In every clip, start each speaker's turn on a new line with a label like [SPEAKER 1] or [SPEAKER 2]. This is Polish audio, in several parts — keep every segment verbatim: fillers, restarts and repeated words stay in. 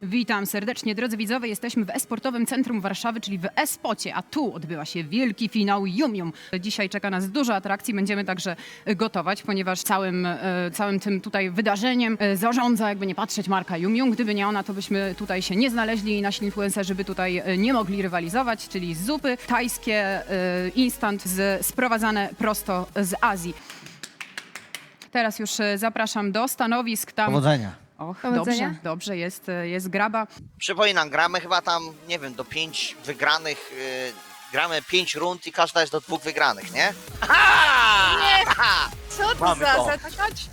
[SPEAKER 1] Witam serdecznie, drodzy widzowie. Jesteśmy w e-sportowym centrum Warszawy, czyli w e-spocie, a tu odbywa się wielki finał Yum Yum. Dzisiaj czeka nas dużo atrakcji, będziemy także gotować, ponieważ całym, e, całym tym tutaj wydarzeniem e, zarządza, jakby nie patrzeć, marka Yum Yum. Gdyby nie ona, to byśmy tutaj się nie znaleźli i nasi influencerzy by tutaj e, nie mogli rywalizować, czyli zupy tajskie, e, instant z, sprowadzane prosto z Azji. Teraz już e, zapraszam do stanowisk tam.
[SPEAKER 2] Powodzenia.
[SPEAKER 1] Och,
[SPEAKER 3] Powodzenia.
[SPEAKER 1] dobrze, dobrze, jest, jest graba.
[SPEAKER 4] Przypominam, gramy chyba tam, nie wiem, do pięć wygranych, yy, gramy pięć rund i każda jest do dwóch wygranych, nie? Aha!
[SPEAKER 3] Nie.
[SPEAKER 4] Aha!
[SPEAKER 3] Co to
[SPEAKER 4] Mamy
[SPEAKER 3] za
[SPEAKER 4] to.
[SPEAKER 3] zatakać?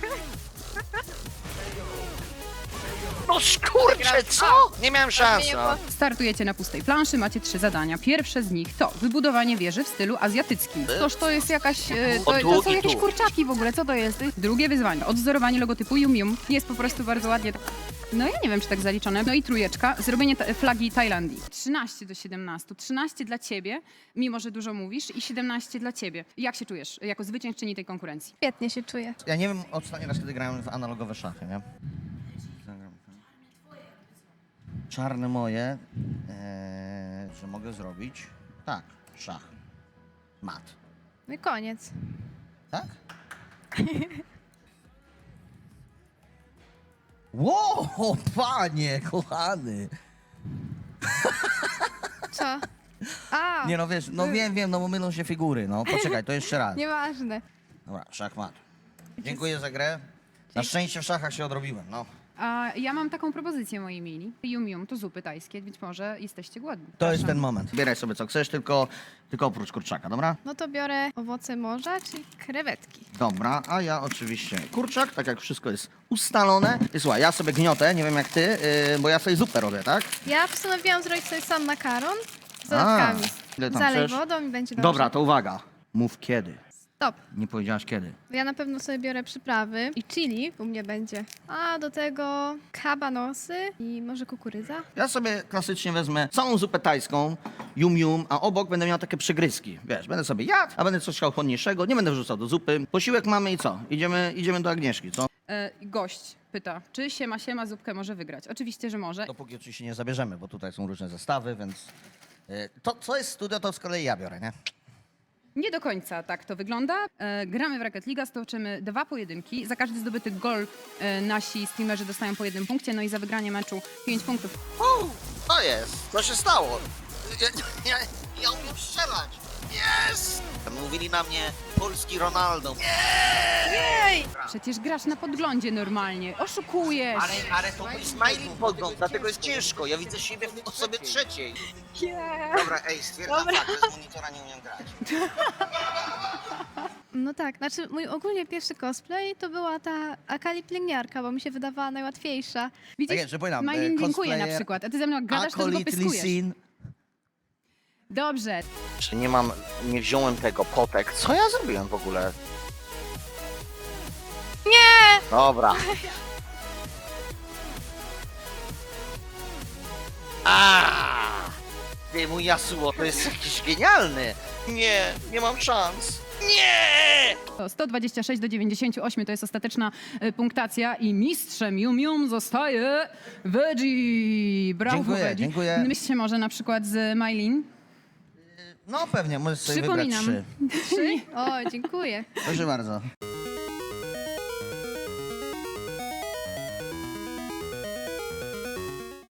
[SPEAKER 4] No skurcze, co? Nie miałem szansy.
[SPEAKER 3] Nie
[SPEAKER 4] no.
[SPEAKER 3] było.
[SPEAKER 1] Startujecie na pustej planszy, macie trzy zadania. Pierwsze z nich to wybudowanie wieży w stylu azjatyckim.
[SPEAKER 3] Toż to jest jakaś... e,
[SPEAKER 4] O,
[SPEAKER 3] To,
[SPEAKER 4] tu
[SPEAKER 3] to są
[SPEAKER 4] i
[SPEAKER 3] jakieś
[SPEAKER 4] tu.
[SPEAKER 3] kurczaki w ogóle, co to jest?
[SPEAKER 1] Drugie wyzwanie, odzorowanie logotypu Yum Yum. Jest po prostu bardzo ładnie. No ja nie wiem, czy tak zaliczone. No i trójeczka, zrobienie ta flagi Tajlandii. trzynaście do siedemnastu. trzynaście dla ciebie, mimo że dużo mówisz, i siedemnaście dla ciebie. Jak się czujesz jako zwyciężczyni tej konkurencji?
[SPEAKER 3] Świetnie się czuję.
[SPEAKER 2] Ja nie wiem ostatni raz, kiedy grałem w analogowe szachy, nie? Czarne moje, e, że mogę zrobić. Tak, szach. Mat.
[SPEAKER 3] No i koniec.
[SPEAKER 2] Tak? Wow, panie, kochany.
[SPEAKER 3] Co? A,
[SPEAKER 2] Nie no wiesz, no wiem, wiem, no bo mylą się figury, no. Poczekaj, to jeszcze raz.
[SPEAKER 3] nieważne.
[SPEAKER 2] Dobra, szach, mat. Dziękuję za grę. Na szczęście w szachach się odrobiłem, no.
[SPEAKER 1] A ja mam taką propozycję, moi mili. Yum Yum to zupy tajskie, być może jesteście głodni.
[SPEAKER 2] To jest
[SPEAKER 1] Proszę.
[SPEAKER 2] ten moment. Bieraj sobie co chcesz, tylko, tylko oprócz kurczaka, dobra?
[SPEAKER 3] No to biorę owoce morza, czyli krewetki.
[SPEAKER 2] Dobra, a ja oczywiście kurczak, tak jak wszystko jest ustalone. I słuchaj, ja sobie gniotę, nie wiem jak ty, yy, bo ja sobie zupę robię, tak?
[SPEAKER 3] Ja postanowiłam zrobić sobie sam makaron z dodatkami.
[SPEAKER 2] ile tam
[SPEAKER 3] Zalej
[SPEAKER 2] chcesz?
[SPEAKER 3] wodą i będzie dobrze.
[SPEAKER 2] Dobra, to uwaga. Mów kiedy.
[SPEAKER 3] Stop.
[SPEAKER 2] Nie powiedziałaś kiedy.
[SPEAKER 3] Ja na pewno sobie biorę przyprawy i chili u mnie będzie. A do tego kabanosy i może kukurydza.
[SPEAKER 2] Ja sobie klasycznie wezmę całą zupę tajską, yum yum, a obok będę miał takie przegryzki. Wiesz, będę sobie jadł, a będę coś chciał chłodniejszego, nie będę wrzucał do zupy. Posiłek mamy i co? Idziemy, idziemy do Agnieszki, co?
[SPEAKER 1] E, gość pyta, czy siema siema zupkę może wygrać? Oczywiście, że może.
[SPEAKER 2] Dopóki oczywiście nie zabierzemy, bo tutaj są różne zestawy, więc... yy, To, co jest studio, to z kolei ja biorę, nie?
[SPEAKER 1] Nie do końca tak to wygląda. E, gramy w Rocket League, stoczymy dwa pojedynki. Za każdy zdobyty gol e, nasi streamerzy dostają po jednym punkcie, no i za wygranie meczu pięć punktów.
[SPEAKER 4] U, co jest? Co się stało? Ja, ja, ja umiem strzelać. Jest! Mówili na mnie polski Ronaldo.
[SPEAKER 3] Jej!
[SPEAKER 1] Przecież grasz na podglądzie normalnie, oszukujesz.
[SPEAKER 4] Ale, ale to mój smiling podgląd, dlatego jest ciężko. Ja widzę siebie w osobie trzeciej. Dobra, ej, stwierdzam fakt, że z monitora nie umiem grać.
[SPEAKER 3] No tak, znaczy mój ogólnie pierwszy cosplay to była ta Akali pielęgniarka, bo mi się wydawała najłatwiejsza.
[SPEAKER 1] Widzisz,
[SPEAKER 2] Tak jest, że powiem,
[SPEAKER 1] Majlin
[SPEAKER 2] e,
[SPEAKER 1] dziękuję na
[SPEAKER 2] cosplayer,
[SPEAKER 1] przykład, a ty ze mną jak gadasz, to tylko
[SPEAKER 2] Acolyte
[SPEAKER 1] pyskujesz.
[SPEAKER 2] Lisin.
[SPEAKER 1] Dobrze,
[SPEAKER 4] Czy nie mam, nie wziąłem tego potek? Co ja zrobiłem w ogóle?
[SPEAKER 3] Nie!
[SPEAKER 4] Dobra. A! Ty, mój Yasuo, to jest jakiś genialny. Nie, nie mam szans. Nie!
[SPEAKER 1] to sto dwadzieścia sześć do dziewięćdziesięciu ośmiu to jest ostateczna e, punktacja i mistrzem Yum Yum zostaje Veggie. Brawo,
[SPEAKER 2] Dziękuję,
[SPEAKER 1] Veggie.
[SPEAKER 2] dziękuję.
[SPEAKER 1] Myślcie może na przykład z Majlin?
[SPEAKER 2] No pewnie, możesz sobie wybrać
[SPEAKER 1] Przypominam.
[SPEAKER 2] trzy.
[SPEAKER 3] Trzy? O, dziękuję.
[SPEAKER 2] Proszę bardzo.